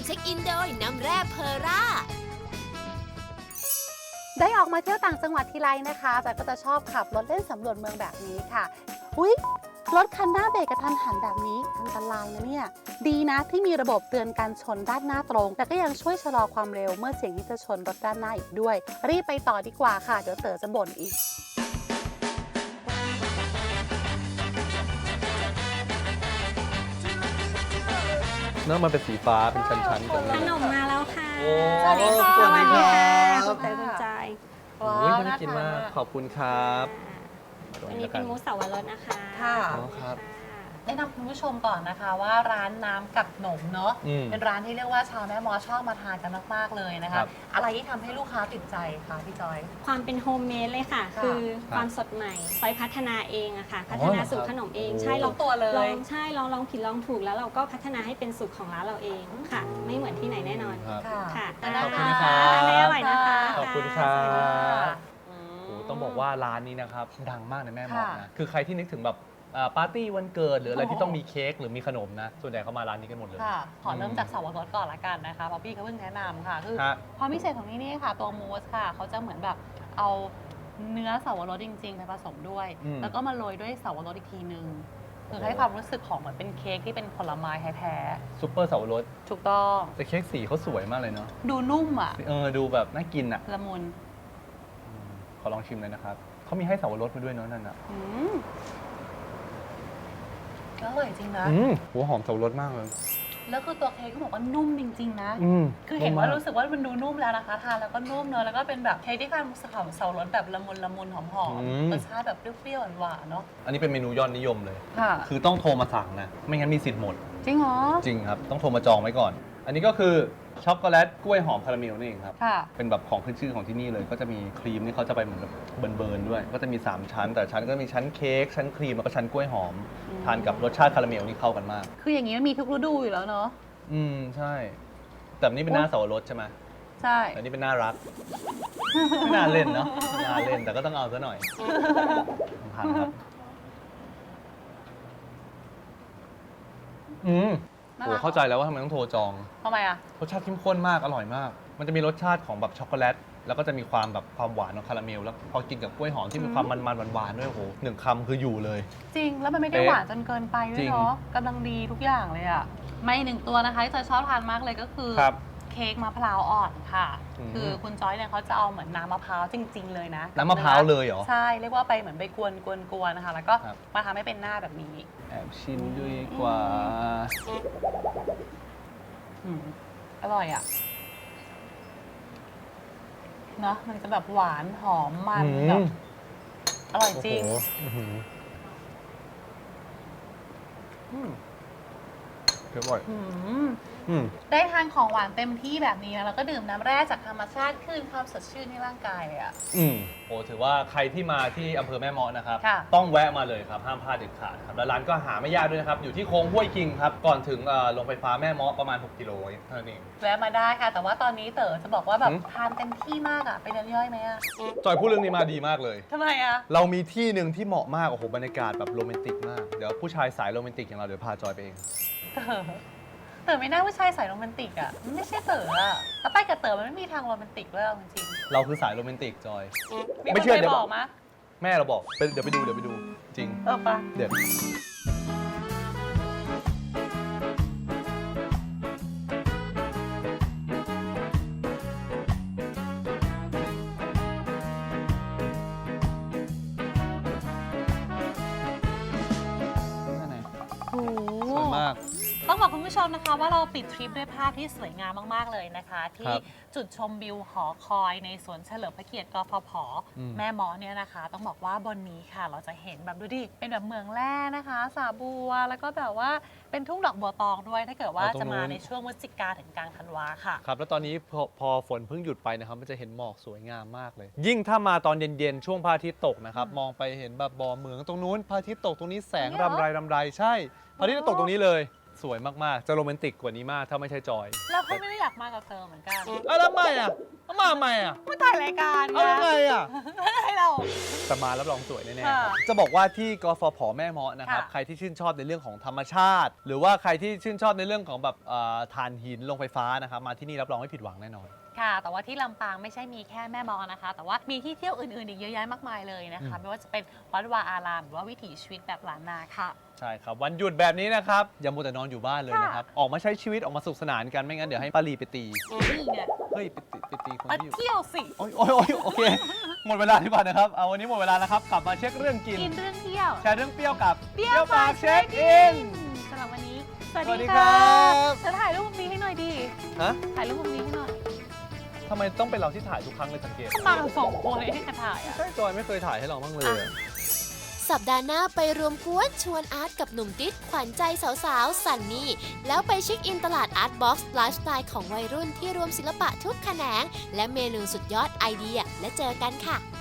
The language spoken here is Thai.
ช็คอินโดยน้ำแร่เพอร่าได้ออกมาเที่ยวต่างจังหวัดทีไรนะคะแต่ก็จะชอบขับรถเล่นสำรวจเมืองแบบนี้ค่ะอุ๊ยรถคันหน้าเบรกกระทันหันแบบนี้อันตรายนะเนี่ยดีนะที่มีระบบเตือนการชนด้านหน้าตรงแต่ก็ยังช่วยชะลอความเร็วเมื่อเสี่ยงที่จะชนรถด้านหน้าอีกด้วยรีบไปต่อดีกว่าค่ะเดี๋ยวเต๋อจะบ่นอีกเนื้อมันเป็นสีฟ้าเป็นชั้นๆตรงขนี้นมมาแล้วค่ะโอ้สวัสดีค่ะสวัสดีครับคุณเตยคุณจอยโอ้ยน่ากินมากขอบคุณครับอันนี้เป็นมูสสาวรสนะคะค่ะอ๋อครับแนะนำคุณผู้ชมก่อนนะคะว่าร้านน้ำกับหนมเนาะเป็นร้านที่เรียกว่าชาวแม่มอชอบมาทานกันมากๆเลยนะคะอะไรที่ทำให้ลูกค้าติดใจคะพี่จอยความเป็นโฮมเมดเลยค่ะค่ะคือความสดใหม่ซอยพัฒนาเองอะค่ะ พัฒนาสูตรขนมเอง ใช่เราตัวเลยลองผิดลองถูกแล้วเราก็พัฒนาให้เป็นสูตรของร้านเราเองค่ะ ไม่เหมือนที่ไหนแน่นอนครับค่ะขอบคุณครับทานได้อร่อยนะคะขอบคุณครับสวัสดีค่ะโอ้ต้องบอกว่าร้านนี้นะครับดังมากในแม่หมอกค่ะนะคือใครที่นึกถึงแบบปาร์ตี้วันเกิดหรืออะไรที่ต้องมีเค้กหรือมีขนมนะส่วนใหญ่เขามาร้านนี้กันหมดเลยค่ะขอเริ่มจากสาวรสก่อนละกันนะคะเพราะพี่เขาเพิ่งแนะนำค่ะคือฮะความพิเศษของที่นี่ค่ะตัวมูสค่ะเขาจะเหมือนแบบเอาเนื้อสาวรสจริงๆไปผสมด้วย แล้วก็มาโรยด้วยสาวรสอีกทีนึงคือให้ความรู้สึกของเหมือนเป็นเค้กที่เป็นผลไม้แท้ซุปเปอร์สับปะรดๆถูกต้องแต่เค้กสีเขาสวยมากเลยเนาะดูนุ่มอ่ะดูแบบน่ากินอ่ะละมุนขอลองชิมเลยนะครับเขามีให้สับปะรดมาด้วยเนาะนั่นอ่ะอืมอร่อยจริงนะหัวหอมสับปะรดมากเลยแล้วคือตัวเค้กก็บอกว่านุ่มจริงๆนะ คือเห็นมว่าก รู้สึกว่ามันดูนุ่มแล้วนะคะทานแล้วก็นุ่มเนอะแล้วก็เป็นแบบเค้กที่ทานเสารสแบบละมุนละมุนหอมอืมรสชาติแบบเปรี้ยวๆหวานๆเนาะอันนี้เป็นเมนูยอดนิยมเลยค่ะคือต้องโทรมาสั่งนะ ไม่งั้นมีสิทธิ์หมดจริงเหรอจริงครับ ต้องโทรมาจองไว้ก่อน อันนี้ก็คือช็อกโกแลตกล้วยหอมคาราเมลนี่เองครับค่ะเป็นแบบของขึ้นชื่อของที่นี่เลย ก็จะมีครีมนี่เขาจะไปเหมือนแบบเบิร์นๆด้วย ก็จะมี 3 ชั้น แต่ชั้นก็มีชั้นเค้ก ชั้นครีม แล้วก็ชั้นกล้วยหอม ทานกับรสชาติคาราเมลนี่เข้ากันมากคืออย่างนี้มันมีทุกฤดูอยู่แล้วเนาะใช่ แต่อันนี้เป็นหน้าสับปะรดใช่ไหมใช่แต่อันนี้เป็นหน้ารัก ไม่น่าเล่นเนาะไม่น่าเล่น แต่ก็ต้องเอาซะหน่อยผ่านครับ โอ้เข้าใจแล้วว่าทำไมต้องโทรจองทำไมอ่ะรสชาติเข้มข้นมาก อร่อยมาก มันจะมีรสชาติของแบบช็อกโกแลต แล้วก็จะมีความแบบความหวานของคาราเมล แล้วพอกินกับกล้วยหอมที่มีความมันๆหวานๆด้วยโอ้โหหนึ่งคำคืออยู่เลยจริง แล้วมันไม่ได้เป๊ะหวานจนเกินไปด้วจริยงเนาะกำลังดีทุกอย่างเลยอ่ะมาอีกหนึ่งตัวนะคะที่จอยชอบทานมากเลยก็คือครับเค้กมะพร้าวอ่อนค่ะอืมคือคุณจอยเนี่ยเขาจะเอาเหมือนน้ำมะพร้าวจริง ๆ เลยนะน้ำมะพร้าวเลยเหรอใช่ เรียกว่าไปเหมือนไปกวนๆนะคะ แล้วก็ครับมาทำให้เป็นหน้าแบบนี้แอบชิมด้วยดีกว่าอืมอร่อยอ่ะเนาะมันจะแบบหวานหอมมันแบบอร่อยจริงโอ้โหอื้อหือเดี๋ยวบ่อยอืมอืมได้ทานของหวานเต็มที่แบบนี้นะแล้วก็ดื่มน้ำแร่จากธรรมชาติคืนความสดชื่นให้ร่างกายเลยอ่ะโอ้ถือว่าใครที่มาที่อำเภอแม่เมาะนะครับค่ะต้องแวะมาเลยครับ ห้ามพลาดเด็ดขาดครับ แล้วร้านก็หาไม่ยากด้วยนะครับ อยู่ที่โค้งห้วยคิงครับ ก่อนถึงโรงไฟฟ้าแม่เมาะประมาณ 6 กิโลเท่านั้นเองแวะมาได้ค่ะ แต่ว่าตอนนี้เต๋อจะบอกว่าแบบหืมทานเต็มที่มากอ่ะไปเดินย่อยไหมอ่ะจอยพูดเรื่องนี้มาดีมากเลยทำไมอ่ะเรามีที่หนึ่งที่เหมาะมาก โอ้โห บรรยากาศแบบโรแมนติกมาก เดี๋ยวผู้ชายสายโรแมนติกอย่างเราเดี๋ยวพาจอยไปเองเต๋อไม่น่าผู้ชายสายโรแมนติกอ่ะมันไม่ใช่เต๋ออ่ะแล้วไปกับเต๋อมันไม่มีทางโรแมนติกเลยเอาจริงเราคือสายโรแมนติกจอยๆมีไม่คนเชื่อเคยเดี๋ยวบอกมะแม่เราบอกเดี๋ยวไปดู จริงปะเดี๋ยวโอ้โหสวยมากต้องบอกคุณผู้ชมนะคะว่าเราปิดทริปด้วยภาพที่สวยงามมาก ๆ เลยนะคะ ที่ครับจุดชมวิวหอคอยในสวนเฉลิมพระเกียรติกฟผ แม่เมอเนี่ยนะคะ ต้องบอกว่าบนนี้ค่ะ เราจะเห็นแบบดูดิเป็นแบบเมืองแร่นะคะสาบัวแล้วก็แบบว่าเป็นทุ่งดอกบัวตองด้วย ถ้าเกิดว่าอ๋อตรงจะมานู้นในช่วงพฤศจิกาถึงกลางธันวาค่ะครับแล้วตอนนี้พอฝนเพิ่งหยุดไปนะครับมันจะเห็นหมอกสวยงามมากเลย ยิ่งถ้ามาตอนเย็นๆช่วงพระอาทิตย์ตกนะครับมองไปเห็นแบบบ่อเหมืองตรงนู้นพระอาทิตย์ตกตรงนี้แสงเนี่ยเหรอรำไรใช่พระอาทิตย์จะตกตรงนี้เลยสวยมากๆ จะโรแมนติกกว่านี้มากถ้าไม่ใช่จอยเราก็ไม่ได้อยากมากับเธอเหมือนกันแล้วทำไมอ่ะมาทำไมอ่ะไม่ถ่ายรายการเอายังไงอ่ะให้เราแต่มารับรองสวยแน่ๆค่ะครับจะบอกว่าที่กฟผแม่เมาะนะครับค่ะใครที่ชื่นชอบในเรื่องของธรรมชาติ หรือว่าใครที่ชื่นชอบในเรื่องของแบบถ่านหินโรงไฟฟ้านะครับมาที่นี่รับรองไม่ผิดหวังแน่นอนค่ะ แต่ว่าที่ลำปางไม่ใช่มีแค่แม่มอนะคะ แต่ว่ามีที่เที่ยวอื่นๆอีกเยอะแยะมากมายเลยนะคะ ไม่ว่าจะเป็นวัดวาอารามหรือว่าวิถีชีวิตแบบล้านนาค่ะใช่ครับ วันหยุดแบบนี้นะครับ อย่ามัวแต่นอนอยู่บ้านเลยนะครับ ออกมาใช้ชีวิตออกมาสนุกสนานกันไม่งั้นเดี๋ยวให้ป้าลีไปตีนี่ไงเฮ้ยไปตีคนมาที่อยู่เที่ยวสิโอ้ยโอเค หมดเวลาดีกว่านะครับเอาวันนี้หมดเวลาแล้วครับกลับมาเช็คเรื่องกินกินเรื่องเที่ยวแชร์เรื่องเปรี้ยวกับเปรี้ยวปากเช็คอินสำหรับวันนี้ สวัสสวัสดีดีครัค่ะบจะถ่ายรูปมุมนี้ให้หน่อยดีฮะถ่ายรูปมุมนี้ให้หน่อยทำไมต้องเป็นเราที่ถ่ายทุกครั้งเลยสังเกตมากันสองคนเลยให้กันถ่ายอ่ะใช่จอยไม่เคยถ่ายให้เราบ้างเลยอะสัปดาห์หน้าไปรวมกวนชวนอาร์ตกับหนุ่มติ๊ดขวัญใจสาวๆ สันนี่ แล้วไปเช็คอินตลาดอาร์ตบ็อกซ์ไลฟ์สไตล์ของวัยรุ่นที่รวมศิลปะทุกแขนง และเมนูสุดยอดไอเดียและเจอกันค่ะ